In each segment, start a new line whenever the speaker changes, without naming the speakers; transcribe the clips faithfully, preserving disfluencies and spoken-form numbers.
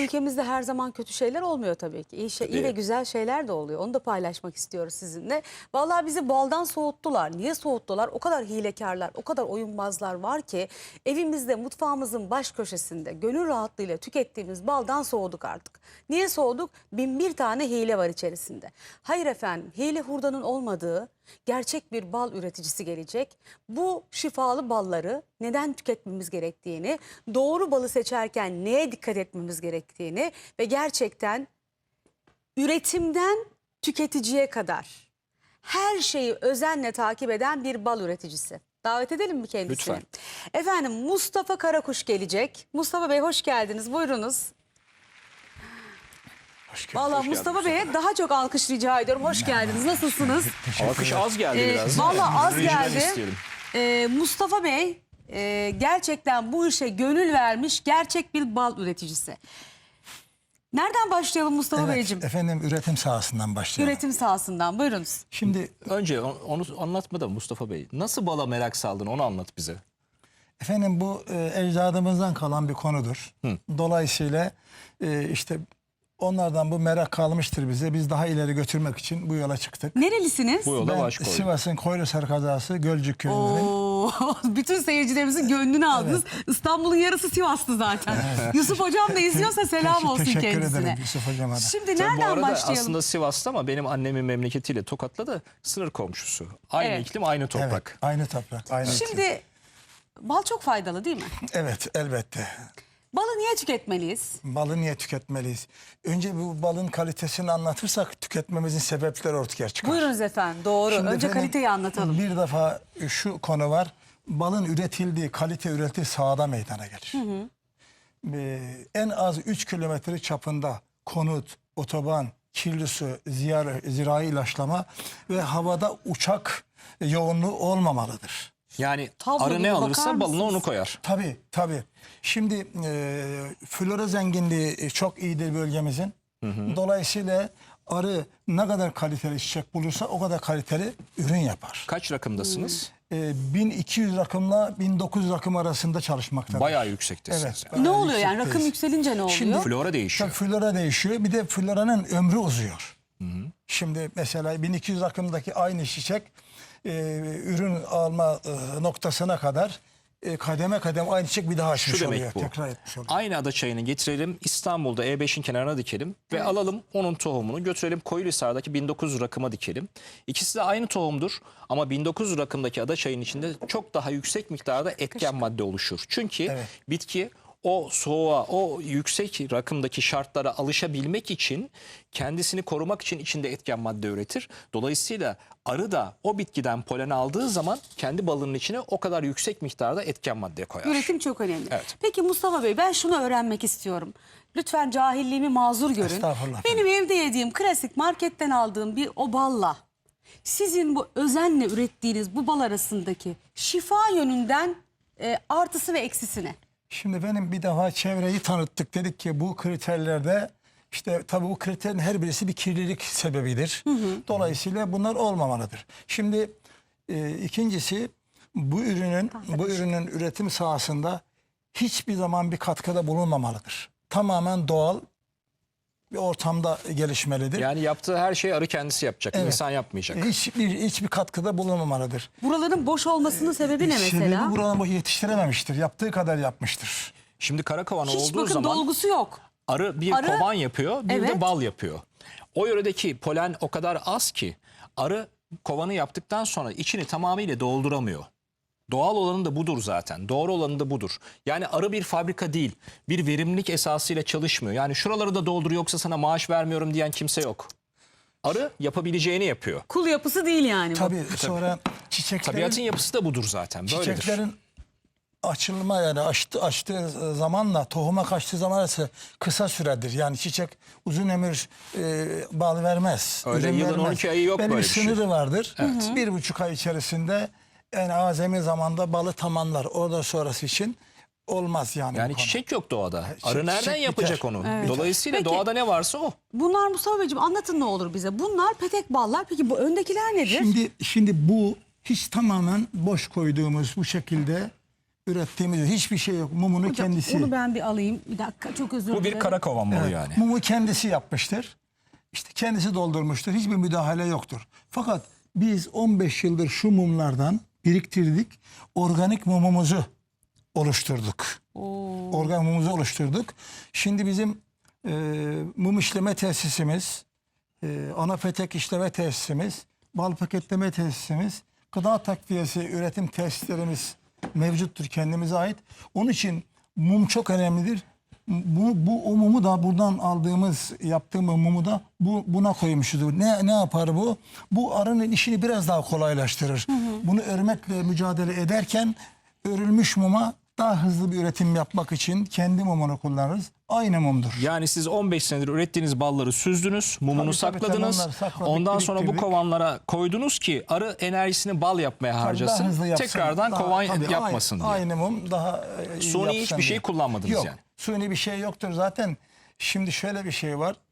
Ülkemizde her zaman kötü şeyler olmuyor tabii ki. İyi, şey, iyi ve güzel şeyler de oluyor. Onu da paylaşmak istiyoruz sizinle. Vallahi bizi baldan soğuttular. Niye soğuttular? O kadar hilekarlar, o kadar oyunbazlar var ki evimizde, mutfağımızın baş köşesinde gönül rahatlığıyla tükettiğimiz baldan soğuduk artık. Niye soğuduk? Bin bir tane hile var içerisinde. Hayır efendim, hile hurdanın olmadığı gerçek bir bal üreticisi gelecek. Bu şifalı balları neden tüketmemiz gerektiğini, doğru balı seçerken neye dikkat etmemiz gerektiğini ve gerçekten üretimden tüketiciye kadar her şeyi özenle takip eden bir bal üreticisi. Davet edelim mi kendisini?
Lütfen.
Efendim Mustafa Karakuş gelecek. Mustafa Bey hoş geldiniz. Buyurunuz. Valla Mustafa Bey'e daha çok alkış rica ediyorum. Hoş geldiniz. Nasılsınız?
Alkış az geldi
Ee,
biraz.
Valla az
Orijinal
geldi.
isteyelim.
Ee, Mustafa Bey e, gerçekten bu işe gönül vermiş gerçek bir bal üreticisi. Nereden başlayalım Mustafa
Evet,
Beyciğim?
efendim üretim sahasından başlayalım.
Üretim sahasından buyurunuz.
Şimdi
Önce onu anlatmadan Mustafa Bey. Nasıl bala merak saldın onu anlat bize.
efendim bu e, ecdadımızdan kalan bir konudur.
Hı.
Dolayısıyla e, işte onlardan bu merak kalmıştır bize. Biz daha ileri götürmek için bu yola çıktık.
Nerelisiniz?
Bu yola
Ben
baş koyduk.
Sivas'ın Koylusar kazası Gölcük köyündenim.
Oo, bütün seyircilerimizin gönlünü aldınız. İstanbul'un yarısı Sivas'tı zaten. Yusuf Hocam da izliyorsa selam
Teşekkür-
olsun
teşekkür
kendisine.
ederim Yusuf Hocam'a da.
Şimdi
Tabii bu
nereden
arada
başlayalım?
aslında Sivas'ta ama benim annemin memleketiyle Tokat'la da sınır komşusu. Aynı
Evet.
iklim, aynı toprak.
Evet, aynı toprak, aynı iklim.
Şimdi bal çok faydalı değil mi?
Evet, elbette.
Balı niye tüketmeliyiz?
Balı niye tüketmeliyiz? Önce bu balın kalitesini anlatırsak tüketmemizin sebepleri ortaya çıkar.
Buyurunuz efendim doğru.
Şimdi
Önce
efendim,
kaliteyi anlatalım.
Bir defa şu konu var. Balın üretildiği, kalite üretildiği sahada meydana gelir. Hı hı. Ee, en az üç kilometre çapında konut, otoban, kirli su, ziyar, zirai ilaçlama ve havada uçak yoğunluğu olmamalıdır.
Yani
Tablo
arı
gibi
ne
bakar
alırsa balına
mısınız?
onu koyar.
Tabii, tabii. Şimdi e, flora zenginliği çok iyidir bölgemizin. Hı hı. Dolayısıyla arı ne kadar kaliteli çiçek bulursa o kadar kaliteli ürün yapar.
Kaç rakımdasınız?
E, bin iki yüz rakımla bin dokuz yüz rakım arasında çalışmaktadır.
Bayağı yüksektesiniz.
Evet.
yani.
Ne
bayağı
oluyor yani? Rakım
yüksekteyiz.
yükselince ne oluyor?
Şimdi-
Flora değişiyor.
Tabii flora değişiyor. Bir de floranın ömrü uzuyor. Hı hı. Şimdi mesela bin iki yüz rakımdaki aynı çiçek e, ürün alma e, noktasına kadar e, kademe kademe aynı çiçek bir daha açmış
Şu demek
oluyor.
bu.
Tekrar etmiş oluyor.
Aynı ada çayını getirelim İstanbul'da E beşin kenarına dikelim ve alalım onun tohumunu götürelim Koyuluhisar'daki bin dokuz yüz rakıma dikelim. İkisi de aynı tohumdur ama bin dokuz yüz rakımdaki ada çayının içinde çok daha yüksek miktarda etken madde oluşur. Çünkü
Evet.
bitki o soğuğa, o yüksek rakımdaki şartlara alışabilmek için, kendisini korumak için içinde etken madde üretir. Dolayısıyla arı da o bitkiden polen aldığı zaman kendi balının içine o kadar yüksek miktarda etken madde koyar.
Üretim çok önemli.
Evet.
Peki Mustafa Bey ben şunu öğrenmek istiyorum. Lütfen cahilliğimi mazur görün.
Estağfurullah.
Benim evde yediğim klasik marketten aldığım bir o balla sizin bu özenle ürettiğiniz bu bal arasındaki şifa yönünden e, artısı ve eksisi ne?
Şimdi benim bir defa çevreyi tanıttık. Dedik ki bu kriterlerde işte tabii bu kriterin her birisi bir kirlilik sebebidir. Hı hı. Dolayısıyla bunlar olmamalıdır. Şimdi e, ikincisi bu ürünün bu ürünün üretim sahasında hiçbir zaman bir katkıda bulunmamalıdır. Tamamen doğal bir ortamda gelişmelidir.
Yani yaptığı her şeyi arı kendisi yapacak.
Evet.
İnsan yapmayacak.
Hiçbir hiçbir katkıda bulunmamalıdır.
Buraların boş olmasının sebebi ne mesela?
Sebebi buranın bu yetiştirememiştir. Yaptığı kadar yapmıştır.
Şimdi kara kovan
Hiç
olduğu
bakın
zaman
dolgusu yok.
arı bir
Arı-
kovan yapıyor, bir
Evet.
de bal yapıyor. O yöredeki polen o kadar az ki arı kovanı yaptıktan sonra içini tamamıyla dolduramıyor. Doğal olanı da budur zaten. Doğru olanı da budur. Yani arı bir fabrika değil. Bir verimlilik esasıyla çalışmıyor. Yani şuraları da doldur yoksa sana maaş vermiyorum diyen kimse yok. Arı yapabileceğini yapıyor.
Kul yapısı değil yani bu.
Tabii sonra çiçeklerin
Tabiatın yapısı da budur zaten. Böyledir.
Çiçeklerin açılma yani açtı, açtığı zamanla tohuma kaçtığı zaman arası kısa süredir. Yani çiçek uzun ömür e, bal vermez.
Öyle
ürün
yılın
vermez.
on iki ayı yok
Belli
böyle
bir
bir şey.
sınırı vardır. Bir buçuk ay içerisinde en azami zamanda balı tamamlar. Oradan sonrası için olmaz yani.
Yani
bu konu.
çiçek yok doğada.
Çiçek-
Arı nereden
çiçek
yapacak
biter.
onu?
Evet.
Dolayısıyla
Peki.
doğada ne varsa o.
Bunlar Mustafa Beyciğim anlatın ne olur bize. Bunlar petek ballar. Peki bu öndekiler nedir?
Şimdi şimdi bu hiç tamamen boş koyduğumuz bu şekilde ürettiğimiz hiçbir şey yok. Mumunu
Hocam,
kendisi.
onu ben bir alayım. Bir dakika, çok özür
Bu
dilerim.
bir kara kovan malı
Evet,
yani.
Mumu kendisi yapmıştır. İşte kendisi doldurmuştur. Hiçbir müdahale yoktur. Fakat biz on beş yıldır şu mumlardan biriktirdik. Organik mumumuzu oluşturduk.
Oo.
Organik mumumuzu oluşturduk. Şimdi bizim e, mum işleme tesisimiz, e, ana petek işleme tesisimiz, bal paketleme tesisimiz, gıda takviyesi üretim tesislerimiz mevcuttur, kendimize ait. Onun için mum çok önemlidir. Bu, bu o mumu da buradan aldığımız, yaptığımız mumu da bu, buna koymuşuz. Ne, ne yapar bu? Bu arının işini biraz daha kolaylaştırır. Hı hı. Bunu örmekle mücadele ederken örülmüş muma daha hızlı bir üretim yapmak için kendi mumunu kullanırız. Aynı mumdur.
Yani siz on beş senedir ürettiğiniz balları süzdünüz, mumunu
Tabii, tabii,
sakladınız.
tabii, onları sakladık,
Ondan sonra bu
biriktirdik.
kovanlara koydunuz ki arı enerjisini bal yapmaya
Tabii
harcasın.
daha hızlı yapsın.
Tekrardan
Daha-
kovan
tabii,
yapmasın
aynı,
diye.
Aynı mum daha e, iyi
Suni
yapsın
hiçbir şey
diye.
kullanmadınız
Yok,
yani.
Suni bir şey yoktur zaten. Şimdi şöyle bir şey var.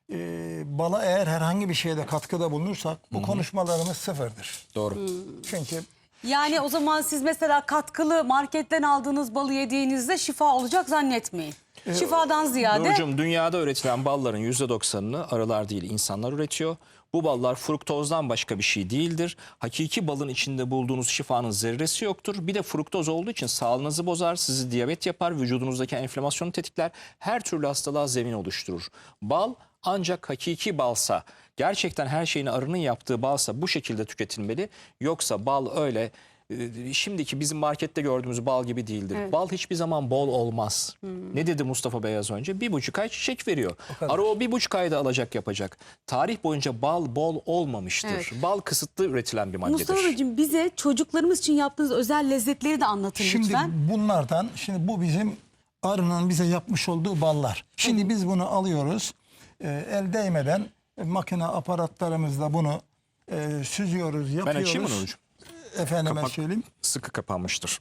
Ee, bala eğer herhangi bir şeyde katkıda bulunursak bu konuşmalarımız sıfırdır.
Doğru.
Çünkü
Yani o zaman siz mesela katkılı marketten aldığınız balı yediğinizde şifa olacak zannetmeyin. Şifadan ziyade
Nurcuğum, dünyada üretilen balların yüzde doksanını arılar değil insanlar üretiyor. Bu ballar fruktozdan başka bir şey değildir. Hakiki balın içinde bulduğunuz şifanın zerresi yoktur. Bir de fruktoz olduğu için sağlığınızı bozar, sizi diyabet yapar, vücudunuzdaki enflamasyonu tetikler, her türlü hastalığa zemin oluşturur. Bal ancak hakiki balsa, gerçekten her şeyini arının yaptığı balsa bu şekilde tüketilmeli. Yoksa bal öyle e, şimdiki bizim markette gördüğümüz bal gibi değildir.
Evet.
Bal hiçbir zaman bol olmaz. Ne dedi Mustafa Bey az önce? Bir buçuk ay çiçek veriyor.
kadar.
Arı o bir buçuk ayda alacak yapacak. Tarih boyunca bal bol olmamıştır.
Evet.
Bal kısıtlı üretilen bir maddedir.
Mustafa Beyciğim, bize çocuklarımız için yaptığınız özel lezzetleri de anlatın
şimdi
lütfen.
bunlardan, şimdi bu bizim arının bize yapmış olduğu ballar. Şimdi biz bunu alıyoruz. e, el değmeden e, makine aparatlarımızla bunu e, süzüyoruz,
Ben
yapıyoruz.
açayım mı Nurcuğum?
Efendime
Kapak
söyleyeyim.
sıkı kapanmıştır.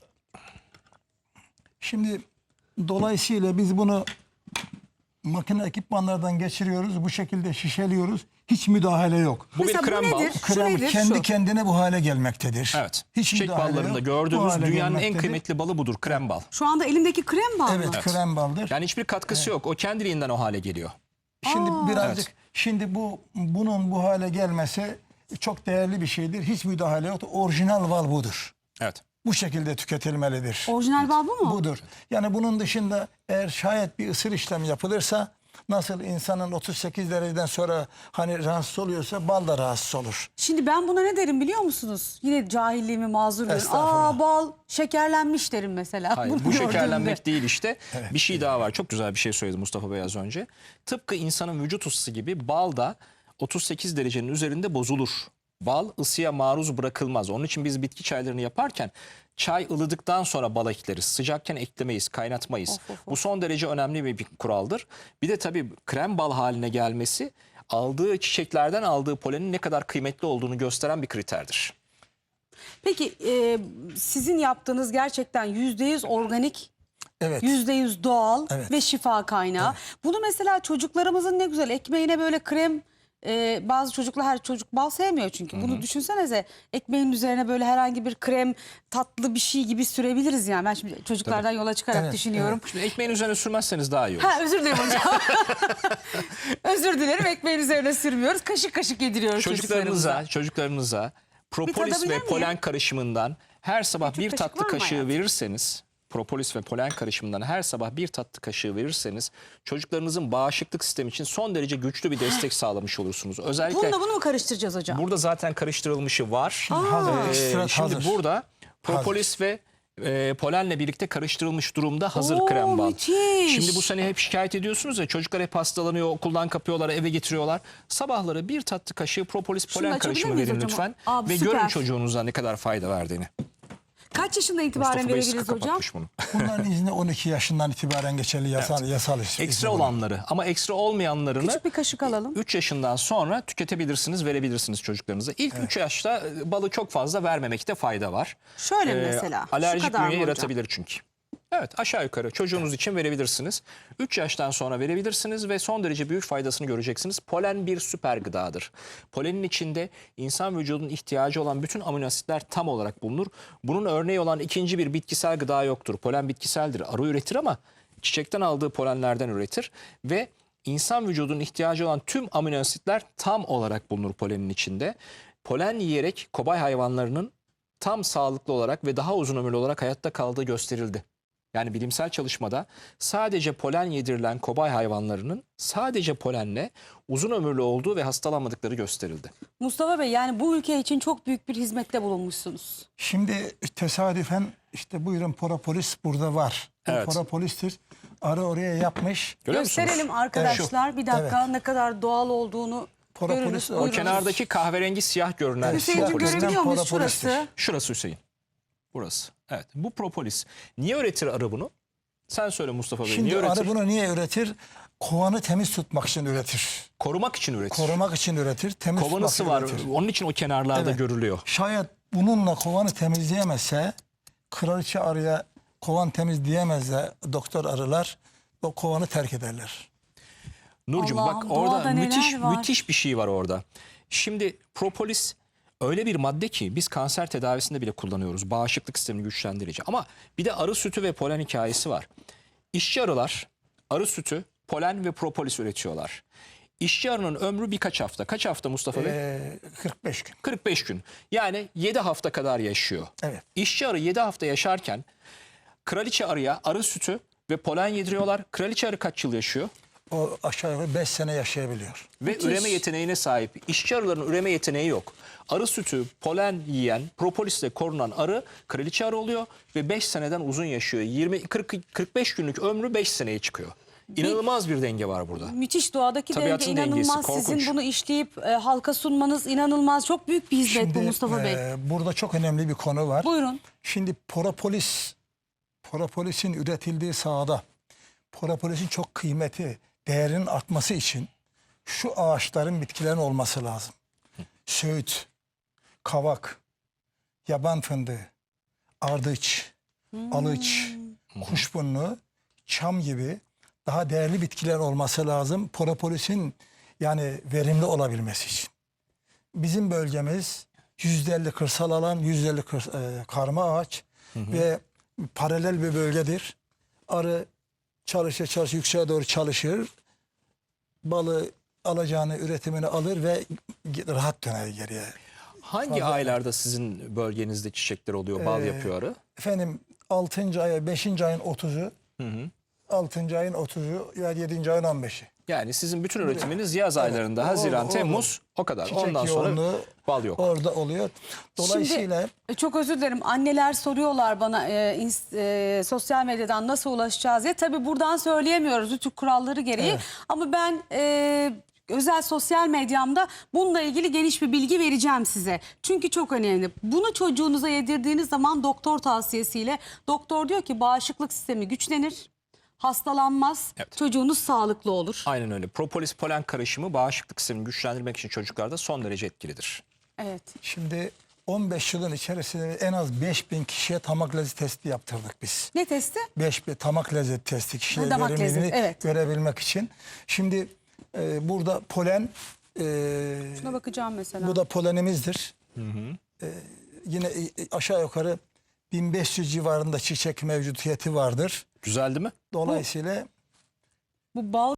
Şimdi dolayısıyla biz bunu makine ekipmanlardan geçiriyoruz. Bu şekilde şişeliyoruz. Hiç müdahale yok.
Bu
Mesela
bir
bu
krem bal.
nedir? Şu
Krem
nedir?
kendi
Şu.
kendine bu hale gelmektedir.
Evet.
Hiç
Çiçek
müdahale
ballarında
yok. Bu
gördüğümüz
hale
dünyanın en
gelmektedir.
kıymetli balı budur. Krem bal.
Şu anda elimdeki krem bal
Evet,
mı?
krem baldır.
Yani hiçbir katkısı yok. O kendiliğinden o hale geliyor.
Şimdi
Aa.
birazcık
Evet.
şimdi bu bunun bu hale gelmesi çok değerli bir şeydir. Hiç müdahale yok. Orijinal bal budur.
Evet.
Bu şekilde tüketilmelidir.
Orijinal bal bu mu?
Budur. Yani bunun dışında eğer şayet bir ısır işlemi yapılırsa, nasıl insanın otuz sekiz dereceden sonra hani rahatsız oluyorsa bal da rahatsız olur.
Şimdi ben buna ne derim biliyor musunuz? Yine cahilliğimi mazur görün.
Estağfurullah.
Aa, bal şekerlenmiş derim mesela.
Hayır,
Bunu
bu
gördüğümde.
şekerlenmek değil işte. Bir şey daha var. Çok güzel bir şey söyledi Mustafa Bey az önce. Tıpkı insanın vücut ısısı gibi bal da otuz sekiz derecenin üzerinde bozulur. Bal ısıya maruz bırakılmaz. Onun için biz bitki çaylarını yaparken çay ılıdıktan sonra bal ekleriz. Sıcakken eklemeyiz, kaynatmayız.
Of, of, of.
Bu son derece önemli bir, bir kuraldır. Bir de tabii krem bal haline gelmesi aldığı çiçeklerden aldığı polenin ne kadar kıymetli olduğunu gösteren bir kriterdir.
Peki e, sizin yaptığınız gerçekten yüzde yüz organik,
Evet.
yüzde yüz doğal
Evet.
ve şifa kaynağı. Bunu mesela çocuklarımızın ne güzel ekmeğine böyle krem, e, bazı çocuklar, her çocuk bal sevmiyor çünkü. Bunu düşünsenize, ekmeğin üzerine böyle herhangi bir krem, tatlı bir şey gibi sürebiliriz yani. Ben şimdi çocuklardan yola çıkarak
Evet,
düşünüyorum.
Şimdi ekmeğin üzerine sürmezseniz daha iyi olur.
Ha, özür dilerim hocam. Özür dilerim, ekmeğin üzerine sürmüyoruz. Kaşık kaşık yediriyoruz çocuklarımıza.
Çocuklarınıza, çocuklarınıza propolis
tadabilir
ve
miyim?
polen karışımından her sabah
Küçük
bir
kaşık
tatlı
var mı
kaşığı
hayatım?
verirseniz, propolis ve polen karışımından her sabah bir tatlı kaşığı verirseniz çocuklarınızın bağışıklık sistemi için son derece güçlü bir destek sağlamış olursunuz. Özellikle
Bununla bunu mu karıştıracağız hocam?
burada zaten karıştırılmışı var.
Hazır.
Ee,
ekstrat
şimdi
hazır.
burada propolis ve e, polenle birlikte karıştırılmış durumda hazır
Oo,
krem bal.
müthiş.
Şimdi bu sene hep şikayet ediyorsunuz ya, çocuklar hep hastalanıyor, okuldan kapıyorlar, eve getiriyorlar. Sabahları bir tatlı kaşığı propolis
Şunu
polen
açabilir
karışımı
miyiz
verin
hocam?
lütfen.
Abi,
ve
süper.
görün çocuğunuza ne kadar fayda verdiğini.
Kaç yaşından itibaren
Mustafa Bey sıkı
verebiliriz hocam?
kapatmış bunu.
Bunların izni on iki yaşından itibaren geçerli yasal yasal izni.
Ekstra olanları ama ekstra olmayanlarını
Küçük bir kaşık alalım.
üç yaşından sonra tüketebilirsiniz, verebilirsiniz çocuklarınıza. İlk üç yaşta e, balı çok fazla vermemekte fayda var.
Şöyle
Ee,
mesela. Şu
Alerjik
kadar mı
bünye
hocam?
yaratabilir çünkü. Evet, aşağı yukarı çocuğunuz için verebilirsiniz. üç yaştan sonra verebilirsiniz ve son derece büyük faydasını göreceksiniz. Polen bir süper gıdadır. Polenin içinde insan vücudunun ihtiyacı olan bütün amino asitler tam olarak bulunur. Bunun örneği olan ikinci bir bitkisel gıda yoktur. Polen bitkiseldir. Arı üretir ama çiçekten aldığı polenlerden üretir ve insan vücudunun ihtiyacı olan tüm amino asitler tam olarak bulunur polenin içinde. Polen yiyerek kobay hayvanlarının tam sağlıklı olarak ve daha uzun ömürlü olarak hayatta kaldığı gösterildi. Yani bilimsel çalışmada sadece polen yedirilen kobay hayvanlarının sadece polenle uzun ömürlü olduğu ve hastalanmadıkları gösterildi.
Mustafa Bey, yani bu ülke için çok büyük bir hizmette bulunmuşsunuz.
Şimdi tesadüfen işte buyurun propolis burada var. Bu
Evet.
propolistir. Arı oraya yapmış.
Görüyor musunuz?
Gösterelim arkadaşlar, bir dakika,
Evet.
ne kadar doğal olduğunu
Propolis
görürüz.
o
O
Buyurunuz.
kenardaki kahverengi siyah görünen
Evet,
Hüseyin'cim
propolis.
görebiliyor muyuz
Propolistir.
şurası?
Şurası Hüseyin. Burası. Evet, bu propolis. Niye üretir arı bunu? Sen söyle Mustafa Bey.
Şimdi
niye üretir?
arı bunu niye üretir? Kovanı temiz tutmak için üretir.
Korumak için üretir.
Korumak için üretir. Temiz
Kovanısı
tutmak
var.
için üretir.
Onun için o kenarlarda
Evet.
görülüyor.
Şayet bununla kovanı temizleyemezse, kraliçe arıya kovan temizleyemezse doktor arılar o kovanı terk ederler.
Nurcuğum
Allah'ım,
bak
doğada
orada
neler
müthiş
var.
müthiş bir şey var orada. Şimdi propolis öyle bir madde ki biz kanser tedavisinde bile kullanıyoruz. Bağışıklık sistemini güçlendirici. Ama bir de arı sütü ve polen hikayesi var. İşçi arılar arı sütü, polen ve propolis üretiyorlar. İşçi arının ömrü birkaç hafta. Kaç hafta Mustafa Bey?
Ee, kırk beş gün.
kırk beş gün. Yani yedi hafta kadar yaşıyor.
Evet.
İşçi arı yedi hafta yaşarken kraliçe arıya arı sütü ve polen yediriyorlar. Kraliçe arı kaç yıl yaşıyor?
O aşağı yukarı beş sene yaşayabiliyor.
Ve
Müthiş.
üreme yeteneğine sahip. İşçi arıların üreme yeteneği yok. Arı sütü, polen yiyen, propolisle korunan arı kraliçe arı oluyor ve beş seneden uzun yaşıyor. yirmi kırk kırk beş günlük ömrü beş seneye çıkıyor. İnanılmaz bir denge var burada.
Müthiş, doğadaki denge
Tabiatın dengesi,
inanılmaz.
korkunç.
Sizin bunu işleyip e, halka sunmanız inanılmaz. Çok büyük bir hizmet bu
Şimdi
Mustafa Bey.
e, burada çok önemli bir konu var.
Buyurun.
Şimdi propolis, propolisin üretildiği sahada propolisin çok kıymeti, değerinin artması için şu ağaçların, bitkilerin olması lazım. Söğüt, kavak, yaban fındığı, ardıç, alıç, kuşburnu, çam gibi daha değerli bitkiler olması lazım propolisin yani verimli olabilmesi için. Bizim bölgemiz yüzde elli kırsal alan, yüzde elli kır, e, karma ağaç ve paralel bir bölgedir. Arı çalışır çalışır yükseğe doğru çalışır. Balı alacağını, üretimini alır ve rahat döner geriye.
Hangi
Fazla-
aylarda sizin bölgenizde çiçekler oluyor, bal
Ee,
yapıyor arı?
Efendim altıncı aya beşinci ayın otuzu, altıncı ayın otuzu ya yedinci ayın on beşi.
Yani sizin bütün üretiminiz yaz
Evet,
aylarında,
o-
Haziran,
o-
Temmuz o kadar.
Çiçek
Ondan sonra
yoğunluğu
bal yok.
orada oluyor. Dolayısıyla
Şimdi e, çok özür dilerim, anneler soruyorlar bana e, ins- e, sosyal medyadan nasıl ulaşacağız diye. Tabii buradan söyleyemiyoruz rütük kuralları gereği.
Evet.
Ama ben e, özel sosyal medyamda bununla ilgili geniş bir bilgi vereceğim size. Çünkü çok önemli. Bunu çocuğunuza yedirdiğiniz zaman doktor tavsiyesiyle, doktor diyor ki bağışıklık sistemi güçlenir, hastalanmaz,
Evet.
çocuğunuz sağlıklı olur.
Aynen öyle. Propolis polen karışımı bağışıklık sistemini güçlendirmek için çocuklarda son derece etkilidir.
Evet.
şimdi on beş yılın içerisinde en az beş bin kişiye tamak lezzeti testi yaptırdık biz.
Ne testi?
beş bin tamak lezzeti testi kişiye
Ha, damak
verimliliğini
lezzeti, evet.
görebilmek için. Şimdi e, burada polen e,
Şuna bakacağım mesela.
bu da polenimizdir. E, yine e, aşağı yukarı bin beş yüz civarında çiçek mevcutiyeti vardır.
Güzel değil mi?
Dolayısıyla
Bu bal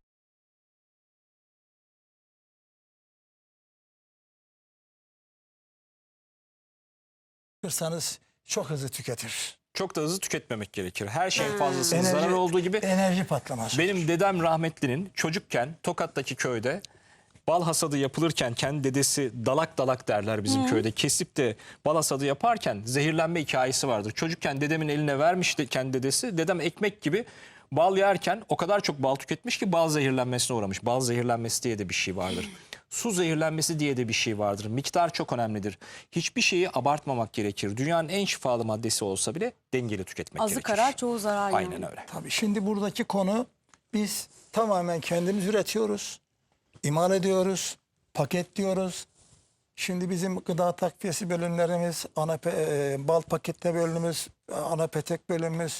kırsanız çok hızlı tüketir.
Çok da hızlı tüketmemek gerekir. Her şeyin fazlasının
Enerji-
zarar olduğu gibi
Enerji patlaması.
benim dedem rahmetlinin çocukken Tokat'taki köyde bal hasadı yapılırken kendi dedesi dalak dalak derler bizim köyde. Kesip de bal hasadı yaparken zehirlenme hikayesi vardır. Çocukken dedemin eline vermiş de kendi dedesi. Dedem ekmek gibi bal yerken o kadar çok bal tüketmiş ki bal zehirlenmesine uğramış. Bal zehirlenmesi diye de bir şey vardır. Su zehirlenmesi diye de bir şey vardır. Miktar çok önemlidir. Hiçbir şeyi abartmamak gerekir. Dünyanın en şifalı maddesi olsa bile dengeli tüketmek
azı
gerekir.
karar çoğu zarar.
Aynen
yani.
öyle.
Tabii şimdi buradaki konu biz tamamen kendimiz üretiyoruz, imal ediyoruz, paketliyoruz. Şimdi bizim gıda takviyesi bölümlerimiz, ana pe- e, bal pakette bölümümüz, ana petek bölümümüz,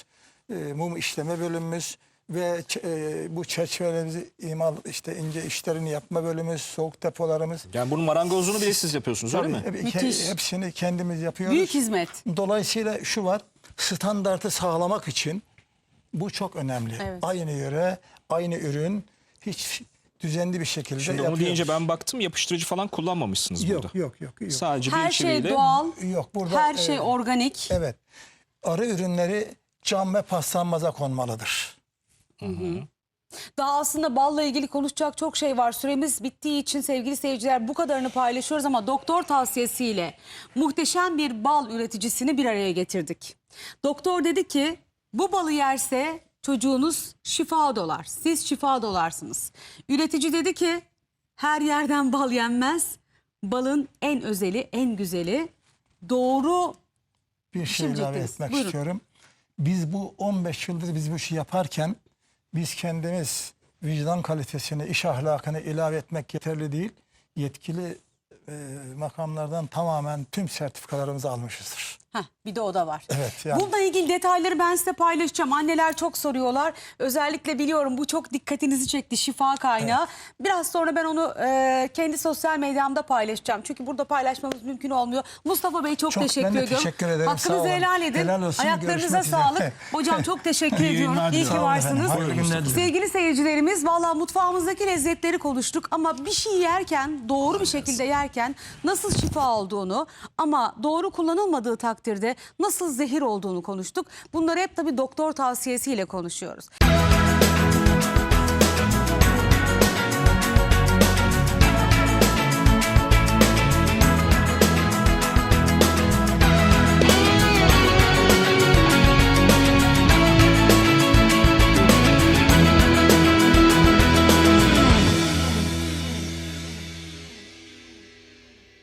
e, mum işleme bölümümüz ve e, bu çerçevelerimizi imal işte ince işlerini yapma bölümümüz, soğuk depolarımız.
Yani bunun marangozluğunu bile siz yapıyorsunuz öyle mi?
Tabii,
Müthiş.
hepsini kendimiz yapıyoruz.
Büyük hizmet.
Dolayısıyla şu var, standartı sağlamak için bu çok önemli.
Evet.
Aynı yöre, aynı ürün hiç düzenli bir şekilde
Şimdi onu
yapıyoruz.
deyince ben baktım, yapıştırıcı falan kullanmamışsınız
Yok,
burada.
yok, yok, yok.
Sadece
Her
bir
şey
çiviyle.
doğal,
Yok, burada
her şey
e,
organik.
evet. Arı ürünleri cam ve paslanmaza konmalıdır.
Daha aslında balla ilgili konuşacak çok şey var. Süremiz bittiği için sevgili seyirciler bu kadarını paylaşıyoruz ama doktor tavsiyesiyle muhteşem bir bal üreticisini bir araya getirdik. Doktor dedi ki bu balı yerse çocuğunuz şifa dolar. Siz şifa dolarsınız. Üretici dedi ki her yerden bal yenmez. Balın en özeli, en güzeli doğru.
Bir şey ilave
Düşünecektiniz.
etmek
Buyurun.
istiyorum. Biz bu on beş yıldır biz bu işi yaparken biz kendimiz vicdan kalitesini, iş ahlakını ilave etmek yeterli değil. Yetkili e, makamlardan tamamen tüm sertifikalarımızı almışızdır.
Heh, bir de o da var.
Evet, yani.
Bununla ilgili detayları ben size paylaşacağım. Anneler çok soruyorlar. Özellikle biliyorum bu çok dikkatinizi çekti, şifa kaynağı. Biraz sonra ben onu e, kendi sosyal medyamda paylaşacağım. Çünkü burada paylaşmamız mümkün olmuyor. Mustafa Bey çok,
Çok,
teşekkür
ben de
ediyorum.
teşekkür ederim, sağ
Hakkınızı
olun.
helal edin.
Helal olsun,
Ayaklarınıza
görüşmek üzere.
sağlık. Hocam çok teşekkür
İyi
ediyorum.
günler
İyi ki
diliyorum.
varsınız.
Sağ olun efendim. Hayırlı günler
Sevgili seyircilerimiz valla mutfağımızdaki lezzetleri konuştuk ama bir şey yerken doğru bir şekilde yerken nasıl şifa olduğunu ama doğru kullanılmadığı takdirde nasıl zehir olduğunu konuştuk. Bunları hep tabii doktor tavsiyesiyle konuşuyoruz.